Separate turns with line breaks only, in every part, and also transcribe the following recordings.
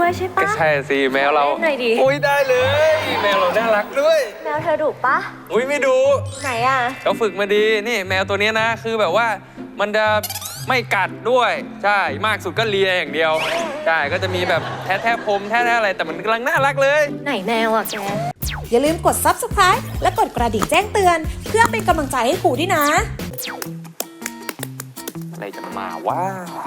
ด้วยใช่ปะ
ใช่สิแมวเรา
เล่นหน่อยดิ
อุ้ยได้เลยแมวเราน่ารักด้วย
แมวเธอดุปะ
อุ้ยไม่ดุ
ไหนอ่ะ
เขาฝึกมาดีนี่แมวตัวนี้นะคือแบบว่ามันจะไม่กัดด้วยใช่มากสุดก็เลียอย่างเดียวใช่ก็จะมีแบบแท้พรมแท้อะไรแต่มันกำลังน่ารักเลย
ไหนแมวอ่ะแก
อย่าลืมกด Subscribe และกดกระดิ่งแจ้งเตือนเพื่อเป็นกำลังใจให้ครูด้วยนะ
อะไรจะมาว่า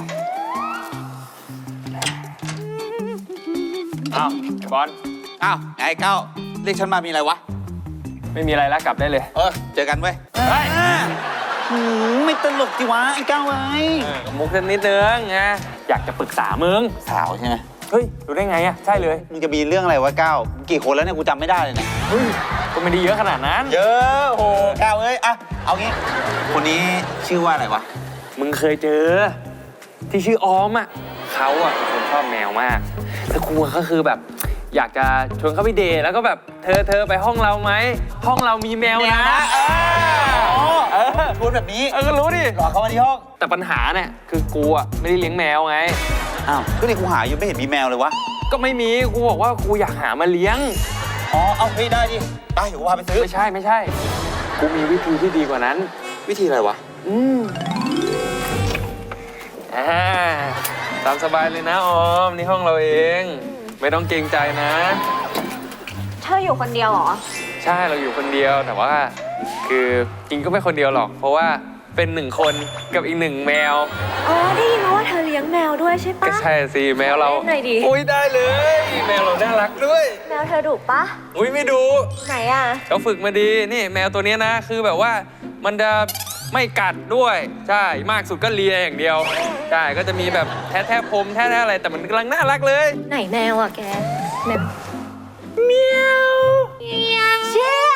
อ้าวไอ้บอล
อ้าวไอ้เก้าเรียกฉันมามีอะไรวะ
ไม่มีอะไรแล้วกลับได้เลย
เจอกันเว้ย
เฮ้ย
ไม่ตลกจิวะไอ้เก้าไอ้
มุกสักนิดนึงไงอยากจะปรึกษามึง
สาวใช่ไหม
เฮ้ยรู้ได้ไงอ่ะใช่เลย
มึงจะมีเรื่องอะไรวะเก้ากี่คนแล้วเนี่ยกูจำไม่ได้เลยเนี่ย
เฮ้ยก็ไม่ได้เยอะขนาดนั้น
เยอะโหเก้าเอ้ยอะเอางี้คนนี้ชื่อว่าอะไรวะ
มึงเคยเจอที่ชื่อออมอ่ะเขาอ่ะเป็นคนชอบแมวมากแล้วกูก็คือแบบอยากจะชวนเขาไปเดทแล้วก็แบบเธอไปห้องเราไหมห้องเรามีแมวนะ
ชวนแบบนี้
ก็รู้ดิ
หลอกเขามาที่ห้อง
แต่ปัญหาเนี่ยคือกูอ่ะไม่ได้เลี้ยงแมวไง
อ้าวก็นี่กูหาอยู่ไม่เห็นมีแมวเลยวะ
ก็ไม่มีกูบอกว่ากูอยากหามาเลี้ยง
เอาเฮ้ยได้ดิไปเดี๋ยวกูพาไปซื้อ
ไม่ใช่กูมีวิธีที่ดีกว่านั้น
วิธีอะไรวะ
ตามสบายเลยนะออมนี่ห้องเราเองไม่ต้องเกรงใจนะ
เธออยู่คนเดียวเหรอ
ใช่เราอยู่คนเดียวแต่ว่าคือจริงก็ไม่คนเดียวหรอกเพราะว่าเป็น1 คนกับอีก1 แมว
ได้ยินมาว่าเธอเลี้ยงแมวด้วยใช่ปะ
ก็ใช่สิแมวเรา
เล่นหน่อยดิ
อุ้ยได้เลยแมวเราน่ารักด้วย
แมวเธอดุปะ
อุ้ยไม่ดุ
ไหนอ่ะ
เขาฝึกมาดีนี่แมวตัวนี้นะคือแบบว่ามันจะไม่กัดด้วยใช่มากสุดก็เลียอย่างเดียวใช่ก็จะมีแบบแท้พรมแท้อะไรแต่มันกำลังน่ารักเลย
ไหนแมวอ่ะแกแมวเมียวเชี่ย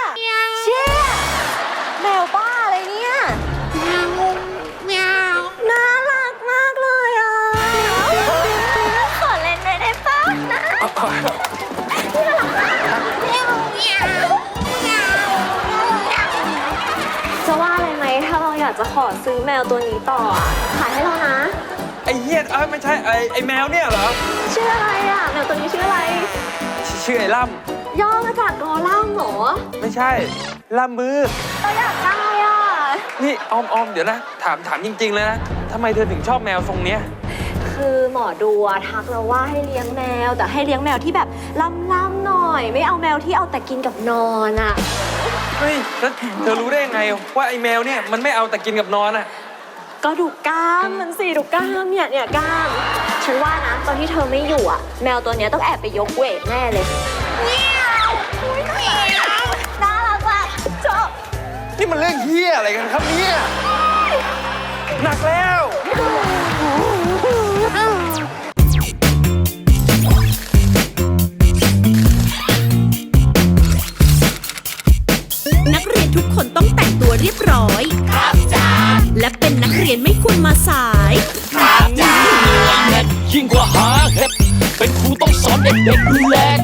แมวบ้าอะไรเนี่ยแมวน่ารักมากเลยอ่ะขอเล่นได้ปะนะจะว่าอะไรไหมถ้าเราอยากจะขอซื้อแมวตัวนี้ต่อขายให้เรานะ
ไอ้เหี้ยไม่ใช่ไอ้แมวเนี่ยเหรอ
ชื่ออะไรอ่ะแมวตัวนี้ชื่ออะไร
ชื่อไอ้ล่
ำย่อมาจากกอล่ำหรอ
ไม่ใช่ล่ำมือ
เราอยากได้อ่ะ
นี่ออมเดี๋ยวนะถามจริงๆเลยนะทำไมเธอถึงชอบแมวทรงเนี้ย
คือหมอดูทักเราว่าให้เลี้ยงแมวแต่ให้เลี้ยงแมวที่แบบล่ำๆหน่อยไม่เอาแมวที่เอาแต่กินกับนอนอ่ะ
เฮ้ยแล้วเธอรู้ได้ยังไงว่าไอ้แมวเนี่ยมันไม่เอาแต่กินกับนอนอ่ะ
ก็ดูกล้ามมันสิดูกล้ามเนี่ยกล้ามฉันว่านะตอนที่เธอไม่อยู่อ่ะแมวตัวเนี้ยต้องแอบไปยกเวทแน่เลยน่ารักมากชอบ
นี่มันเรื่องเหี้ยอะไรกันครับเนี่ยหนักแล้ว
นักเรียนทุกคนต้องแต่งตัวเรียบร้อยครับจ้าและเป็นนักเรียนไม่ควรมาสาย
ครับจ้ายิ่งกว่าหาเห็ดเป็นครูต้องสอนเด็กๆดูแล